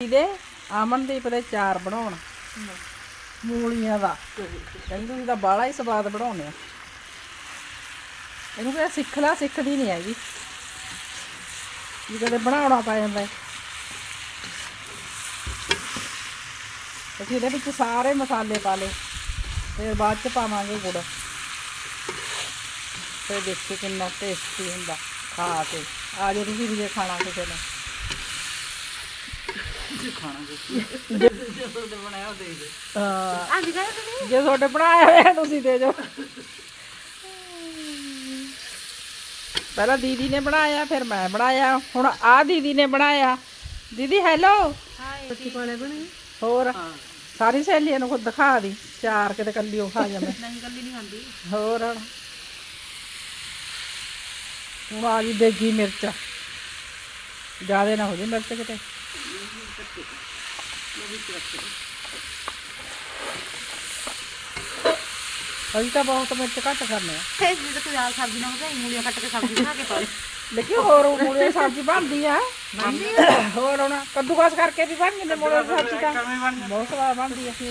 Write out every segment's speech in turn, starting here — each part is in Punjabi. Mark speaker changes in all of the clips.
Speaker 1: ਇਹਦੇ ਅਮਨਦੀਪ ਦੇ ਚਾਰ ਬਣਾਉਣ ਮੂਲੀਆਂ ਦਾ ਕਹਿੰਦੀ ਤੁਸੀਂ ਤਾਂ ਬਾਹਲਾ ਹੀ ਸਵਾਦ ਬਣਾਉਂਦੇ ਆ। ਇਹਨੂੰ ਕਿਹਾ ਸਿੱਖ ਲੈ, ਸਿੱਖਦੀ ਨਹੀਂ ਹੈਗੀ ਜੀ, ਕਦੇ ਬਣਾਉਣਾ ਪੈ ਜਾਂਦਾ। ਅਸੀਂ ਇਹਦੇ ਵਿੱਚ ਸਾਰੇ ਮਸਾਲੇ ਪਾ ਲਏ, ਫਿਰ ਬਾਅਦ ਚ ਪਾਵਾਂਗੇ ਗੁੜ। ਫਿਰ ਦੇਖੋ ਕਿੰਨਾ ਟੇਸਟੀ ਹੁੰਦਾ ਖਾ ਕੇ। ਆ ਜਾਓ ਤੁਸੀਂ ਵੀ ਜੇ ਖਾਣਾ ਕਿਸੇ ਨੇ। ਜੇ ਤੁਹਾਡੇ ਬਣਾਇਆ ਹੋਇਆ ਤੁਸੀਂ ਦੇ ਜਾਓ। ਪਹਿਲਾਂ ਦੀਦੀ ਨੇ ਬਣਾਇਆ, ਫਿਰ ਮੈਂ ਬਣਾਇਆ, ਹੁਣ ਆ ਦੀਦੀ ਨੇ ਬਣਾਇਆ। ਦੀਦੀ ਹੈਲੋ। ਹੋਰ ਸਾਰੀ ਸਹੇਲੀਆਂ ਨੂੰ ਖੁਦ ਦਿਖਾ ਦੀ ਚਾਰ, ਕਿਤੇ ਕੱਲੀ ਉਹ ਖਾ ਜਾਵੇ। ਹੋਰ ਹੁਣ ਆ ਗਈ ਦੇਗੀ ਮਿਰਚ, ਜ਼ਿਆਦਾ ਨਾ ਹੋ ਜਾਏ ਮਿਰਚ ਕਿਤੇ। ਅਸੀਂ ਤਾਂ ਬਹੁਤ ਮਿਰਚ ਘੱਟ ਕਰਨੇ ਆ।
Speaker 2: ਸਬਜ਼ੀ ਨਾਲ ਮੂਲੀਆਂ ਕੱਟ ਕੇ ਸਬਜ਼ੀ ਬਣਾ ਕੇ ਪਾ ਲਈ।
Speaker 1: ਲੇਕਿਨ ਹੋਰ ਮੂਲੀਆਂ ਦੀ ਸਬਜ਼ੀ ਬਣਦੀ ਆ। ਹੋਰ ਹੁਣ ਕੱਦੂਕਸ ਕਰਕੇ ਵੀ ਬਣ ਜਾਂਦੇ ਮੂਲੀਆਂ ਦੀ ਸਬਜ਼ੀ, ਤਾਂ ਬਹੁਤ ਸਵਾਦ ਬਣਦੀ ਆ।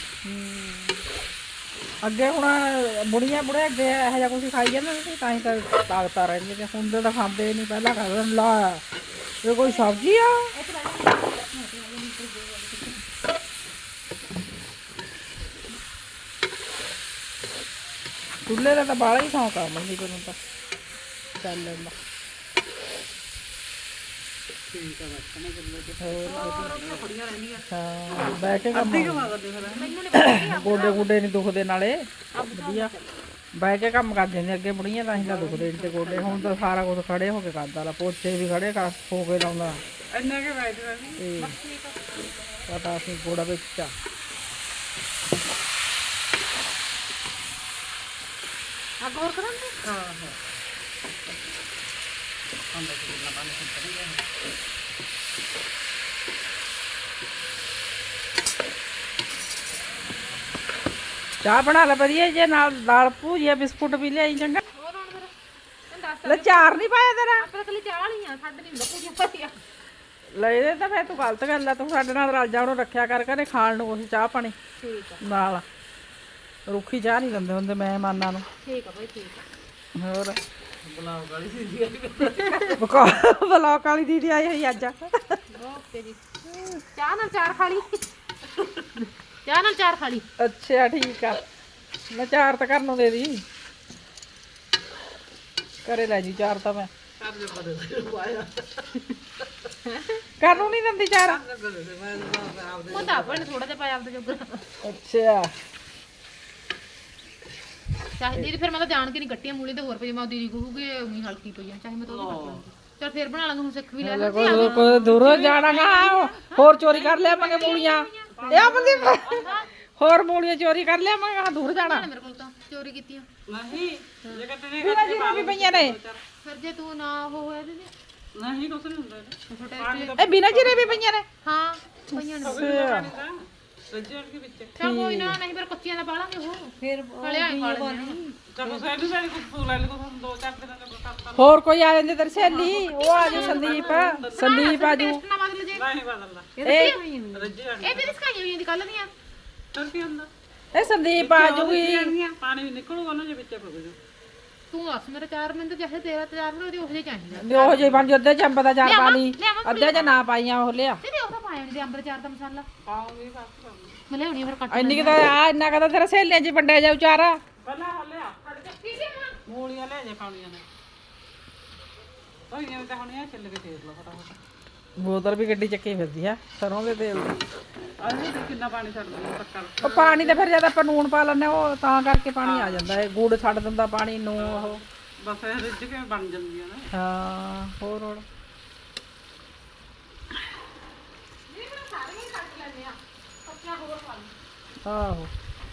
Speaker 1: ਅੱਗੇ ਹੁਣ ਬੁੜੀਆਂ ਬੁੜੇ ਅੱਗੇ ਇਹੋ ਜਿਹਾ ਕੁਛ ਖਾਈ ਜਾਂਦੇ ਸੀ, ਤਾਂ ਹੀ ਤਾਂ ਤਾਕਤਾਂ ਰਹਿੰਦੀਆਂ। ਹੁਣ ਤਾਂ ਖਾਂਦੇ ਨਹੀਂ, ਪਹਿਲਾਂ ਖਾਂਦੇ ਲਾ ਇਹ ਕੋਈ ਸਬਜ਼ੀ ਆ। ਚੁੱਲ੍ਹੇ ਦਾ ਤਾਂ ਬਾਹਲਾ ਹੀ ਸ਼ੌਂਕ ਆ ਮੰਦੀ ਨੂੰ ਤਾਂ ਚੱਲਣ ਦਾ। ਹਾਂ ਬਹਿ ਕੇ ਕੰਮ ਗੋਡੇ ਗੁੱਡੇ ਨਹੀਂ ਦੁਖਦੇ, ਨਾਲੇ ਵਧੀਆ ਬਹਿ ਕੇ ਕੰਮ ਕਰਦੇ ਨੇ ਅੱਗੇ ਬੁੜੀਆਂ, ਤਾਂ ਹੀ ਤਾਂ ਦੁਖਦੇ ਨਹੀਂ ਤੇ ਗੋਡੇ। ਹੁਣ ਤਾਂ ਸਾਰਾ ਕੁਝ ਖੜੇ ਹੋ ਕੇ ਕਰਦਾ ਲਾ, ਪੋਚੇ ਵੀ ਖੜੇ ਹੋ ਕੇ ਲਾਉਂਦਾ। ਪਤਾ ਅਸੀਂ ਗੋੜਾ ਵਿੱਚ ਆ।
Speaker 2: ਹੋਰ ਕਰਾਂਗੇ।
Speaker 1: ਹਾਂ ਹਾਂ ਚਾਹ ਬਣਾ ਲੈ ਵਧੀਆ, ਜੇ ਨਾਲ ਦਾਲ ਭੂਜੀਆ ਬਿਸਕੁਟ ਵੀ ਲਿਆਈ ਚੰਗਾ।
Speaker 2: ਹੋਰ ਹੁਣ ਫਿਰ ਦੱਸ
Speaker 1: ਲੈ ਚਾਰ ਨਹੀਂ ਪਾਇਆ ਤੇਰਾ?
Speaker 2: ਆਪਾਂ ਕੱਲੀ ਚਾਹ ਵਾਲੀ ਆ, ਸਾਡੇ ਨਹੀਂ ਹੁੰਦਾ ਪੂਜੀਆਂ ਪਾਈਆਂ।
Speaker 1: ਲੈ ਇਹਦੇ ਤਾਂ ਫਿਰ ਤੂੰ ਗਲਤ ਗੱਲ ਆ। ਤੂੰ ਸਾਡੇ ਨਾਲ ਰਲ ਜਾ, ਉਹਨੂੰ ਰੱਖਿਆ ਕਰ ਘਰੇ ਖਾਣ ਨੂੰ ਕੁਛ ਚਾਹ ਪਾਣੀ।
Speaker 2: ਠੀਕ ਆ,
Speaker 1: ਨਾਲ ਰੁੱਖੀ ਚਾਹ ਨਹੀਂ ਦਿੰਦੇ ਹੁੰਦੇ ਮਹਿਮਾਨਾਂ ਨੂੰ।
Speaker 2: ਠੀਕ ਆ ਬਾਈ, ਠੀਕ ਆ।
Speaker 1: ਹੋਰ ਬਲੌਕ ਵਾਲੀ ਦੀਦੀ ਆਈ ਹੋਈ ਅੱਜ।
Speaker 2: ਓਕੇ ਜੀ। ਚਾਹ ਨਾਲ ਚਾਰ ਖਾ ਲਈ, ਚਾਹ ਨਾਲ ਚਾਰ ਖਾ ਲਈ।
Speaker 1: ਅੱਛਾ ਠੀਕ ਆ, ਮੈਂ ਚਾਰ ਤਾਂ ਕਰਨ ਨੂੰ ਦੇ ਦੀ। ਘਰੇ ਲੈ ਜੀ ਚਾਰ ਤਾਂ ਮੈਂ ਕਰਨ ਨੂੰ ਨਹੀਂ ਦਿੰਦੀ ਚਾਰ।
Speaker 2: ਉਹ ਤਾਂ ਆਪਾਂ ਨੇ ਥੋੜਾ ਜਿਹਾ ਪਾਇਆ ਆਪਦੇ ਜੋਗਾ।
Speaker 1: ਅੱਛਾ
Speaker 2: ਚਾਹੇ ਦੀਦੀ ਫਿਰ ਮੈਂ ਤਾਂ ਜਾਣ ਕੇ ਨਹੀਂ ਕੱਟੀਆਂ ਮੂਲੀ ਤੇ, ਹੋਰ ਪਈ ਮੈਂ ਦੀਦੀ ਕਹੂਗੀ ਉਨੀ ਹਲਕੀ ਪਈ ਆ, ਚਾਹੇ ਮੈਂ ਤਾਂ ਉਹ ਕੱਟ ਲਾਂਗੀ। ਚਲ ਫਿਰ ਬਣਾ ਲਾਂਗੇ, ਹੁਣ ਸਿੱਖ ਵੀ ਲੈ ਲਾਂਗੇ।
Speaker 1: ਕੋਈ ਦੂਰੋਂ ਜਾਣਾਗਾ, ਹੋਰ ਚੋਰੀ ਕਰ ਲਿਆਵਾਂਗੇ ਮੂਲੀਆਂ। ਇਹ ਆਪਣੀ ਹੋਰ ਮੂਲੀਆਂ ਚੋਰੀ ਕਰ ਲਿਆਵਾਂਗੇ, ਹਾਂ ਦੂਰ ਜਾਣਾ।
Speaker 2: ਮੇਰੇ ਕੋਲ ਤਾਂ ਚੋਰੀ ਕੀਤੀਆਂ
Speaker 1: ਨਹੀਂ ਬਿਨਾਂ ਜੀਰੇ ਵੀ ਪਈਆਂ ਨੇ।
Speaker 2: ਫਿਰ ਜੇ ਤੂੰ ਨਾ ਉਹ ਹੋਇਆ ਦੀਦੀ
Speaker 3: ਨਹੀਂ ਕੁਛ ਨਹੀਂ ਹੁੰਦਾ
Speaker 1: ਇਹ ਬਿਨਾਂ ਜੀਰੇ ਵੀ ਪਈਆਂ ਨੇ।
Speaker 2: ਹਾਂ ਪਈਆਂ ਨੇ।
Speaker 3: ਰੱਜਣ ਦੇ ਵਿੱਚ
Speaker 2: ਚਲ ਕੋਈ ਨਾ, ਨਹੀਂ ਫਿਰ ਕੱਚੀਆਂ ਦਾ ਪਾ ਲਾਂਗੇ। ਉਹ ਫਿਰ ਖਲਿਆ ਹੀ ਖਾ ਲੈਂਦੇ।
Speaker 3: ਚਲੋ ਸਾਡੇ ਸਾਡੇ ਕੁਝ ਫੂਲ ਲੈ ਲਓ, ਦੋ ਚਾਰ ਦਿਨਾਂ ਦਾ ਕਰਤਾ।
Speaker 1: ਹੋਰ ਕੋਈ ਆ ਜਾਂਦੇ ਤੇਰੀ ਸਹੇਲੀ, ਉਹ ਆ ਜੂ ਸੰਦੀਪ। ਸੰਦੀਪ ਆ ਜੂ।
Speaker 2: ਟੇਸਟ ਨਾ ਬਦਲ ਜੇ।
Speaker 3: ਨਹੀਂ ਬਦਲਦਾ
Speaker 1: ਇਹ
Speaker 3: ਰੱਜਣ
Speaker 2: ਇਹ ਵੀ ਸਕਾਈਆਂ ਹੋਈਆਂ ਦੀ ਕੱਲ ਦੀਆਂ।
Speaker 3: ਤਾਂ ਕੀ ਹੁੰਦਾ,
Speaker 1: ਇਹ ਸੰਦੀਪ ਆ ਜੂਗੀ।
Speaker 3: ਪਾਣੀ ਵੀ ਨਿਕਲੂਗਾ ਨਾ ਜੇ ਵਿੱਚ ਪਵੇ।
Speaker 2: ਤੂੰ ਦੱਸ ਮੇਰੇ 4 ਮਿੰਟ ਚਾਹੇ ਤੇਰਾ 4 ਮਿੰਟ ਉਹਦੇ ਚਾਹੀਦਾ।
Speaker 1: ਉਹ ਜੇ ਬਣ ਅੱਧੇ ਚੰਬ ਦਾ ਚਾਰ ਪਾ ਲਈ, ਅੱਧੇ ਚ ਨਾ ਪਾਈਆਂ ਉਹ ਲਿਆ।
Speaker 2: ਤੇ ਉਹਦਾ ਪਾਇਆ ਨਹੀਂ ਅੰਬ ਦੇ ਚਾਰ ਦਾ ਮਸਾਲਾ
Speaker 3: ਪਾਉਂਗੀ ਬਸ
Speaker 2: ਮੈਂ ਲਿਆਉਣੀ ਫਿਰ ਕੱਟ।
Speaker 1: ਇੰਨੀ ਕਿਤਾ ਆ ਇੰਨਾ ਕਦਾ ਤੇਰਾ ਸਹੇਲੀਆਂ ਚ ਵੰਡਿਆ ਜਾਊ ਚਾਰਾ।
Speaker 3: ਪਹਿਲਾਂ ਹਲਿਆ ਮੂਲੀਆਂ ਲੈ ਜੇ ਪਾਣੀਆਂ ਨੇ ਤਾਂ ਇਹ ਤਾਂ ਹੁਣੇ ਆ ਚੱਲ ਕੇ ਤੇਲ ਲਾ ਫਟਾਫਟ।
Speaker 1: ਬੋਤਲ ਵੀ ਗੱਡੀ ਚੱਕੀ ਫਿਰਦੀ ਆ ਸਰੋਂ ਦੇ ਤੇਲ ਦੀ।
Speaker 3: ਅਸੀਂ ਕਿੰਨਾ ਪਾਣੀ ਛੱਡ ਦਿੰਦੇ ਪੱਕਾ।
Speaker 1: ਉਹ ਪਾਣੀ ਤੇ ਫਿਰ ਜਦ ਆਪਾਂ ਨੂਣ ਪਾ ਲੈਂਦੇ ਉਹ ਤਾਂ ਕਰਕੇ ਪਾਣੀ ਆ ਜਾਂਦਾ ਹੈ। ਗੁੜ ਛੱਡ ਦਿੰਦਾ ਪਾਣੀ ਨੂੰ ਉਹ।
Speaker 3: ਬਸ ਇਹ ਰਿੱਝ ਕੇ ਬਣ ਜਾਂਦੀਆਂ ਨੇ।
Speaker 1: ਹਾਂ ਹੋਰ ਹੋਰ ਆਹੋ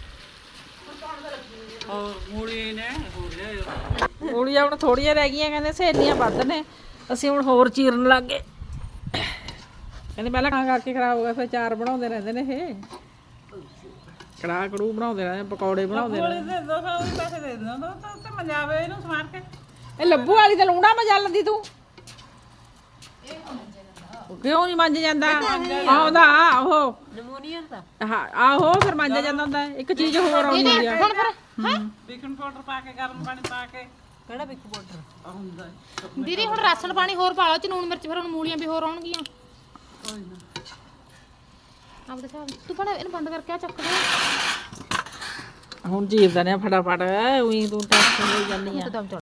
Speaker 3: ਹੋਰ ਮੂਲੀ ਨੇ ਹੋਰ ਲਿਆਓ।
Speaker 1: ਮੂਲੀਆਂ ਹੁਣ ਥੋੜੀਆਂ ਰਹਿ ਗਈਆਂ, ਕਹਿੰਦੇ ਸਹੇਲੀਆਂ ਵੱਧ ਨੇ, ਅਸੀਂ ਹੁਣ ਹੋਰ ਚੀਰਨ ਲੱਗ ਗਏ। ਕਹਿੰਦੇ ਪਹਿਲਾਂ ਖਾਂ ਕਰਕੇ ਖਰਾਬ ਹੋ ਗਿਆ, ਫਿਰ ਚਾਰ ਬਣਾਉਂਦੇ ਰਹਿੰਦੇ ਨੇ ਇਹ। ਕੜਾਹ ਕੜੂ ਬਣਾਉਂਦੇ ਰਹਿੰਦੇ, ਪਕੌੜੇ ਬਣਾਉਂਦੇ
Speaker 3: ਮੂਲੀ
Speaker 1: ਰਹਿੰਦੇ।
Speaker 3: ਦੇ 200 ਵੀ ਪੈਸੇ ਦੇ ਦਿੰਦਾ ਤਾਂ ਮਜਾਵੇ ਇਹਨੂੰ ਸਮਾਰ ਕੇ।
Speaker 1: ਇਹ ਲੱਭੂ ਵਾਲੀ ਤਾਂ ਲੂਣਾ ਮਜਾ ਲੈਂਦੀ ਤੂੰ। ਕਿਉਂ ਨਹੀਂ ਮੰਜ ਜਾਂਦਾ ਆਉਂਦਾ ਉਹ
Speaker 4: ਨਮੂਨੀਆ ਦਾ
Speaker 1: ਹਾਂ ਆਹੋ ਫਿਰ ਮੰਜਿਆ ਜਾਂਦਾ ਹੁੰਦਾ ਇੱਕ ਚੀਜ਼ ਹੋਰ ਆਉਂਦੀ ਆ
Speaker 2: ਹੁਣ ਫਿਰ ਹੈ
Speaker 3: ਬੇਕਿੰਗ ਪਾਊਡਰ ਪਾ ਕੇ ਗਰਮ ਪਾਣੀ ਪਾ ਕੇ
Speaker 4: ਕਿਹੜਾ ਬਿਕ ਪਾਊਡਰ
Speaker 3: ਹੁੰਦਾ ਹੈ।
Speaker 2: ਦੀਦੀ ਹੁਣ ਰਾਸ਼ਨ ਪਾਣੀ ਹੋਰ ਪਾ ਲਓ ਚ ਲੂਣ ਮਿਰਚ ਫਿਰ ਹੁਣ ਮੂਲੀਆਂ ਵੀ ਹੋਰ ਆਉਣਗੀਆਂ
Speaker 3: ਕੋਈ ਨਾ
Speaker 2: ਆਪਦੇ ਹਿਸਾਬ ਨਾਲ। ਤੂੰ ਬਣਾ ਇਹਨੂੰ ਬੰਦ ਕਰਕੇ ਆ ਚੱਕ ਦੇ
Speaker 1: ਹੁਣ ਚੀਰਦਾ ਨੇ ਫਟਾਫਟ ਉਹੀ ਤੂੰ ਟੈਨਸ਼ਨ ਲਈ ਜਾਂਦੀ ਆ
Speaker 2: ਦਮ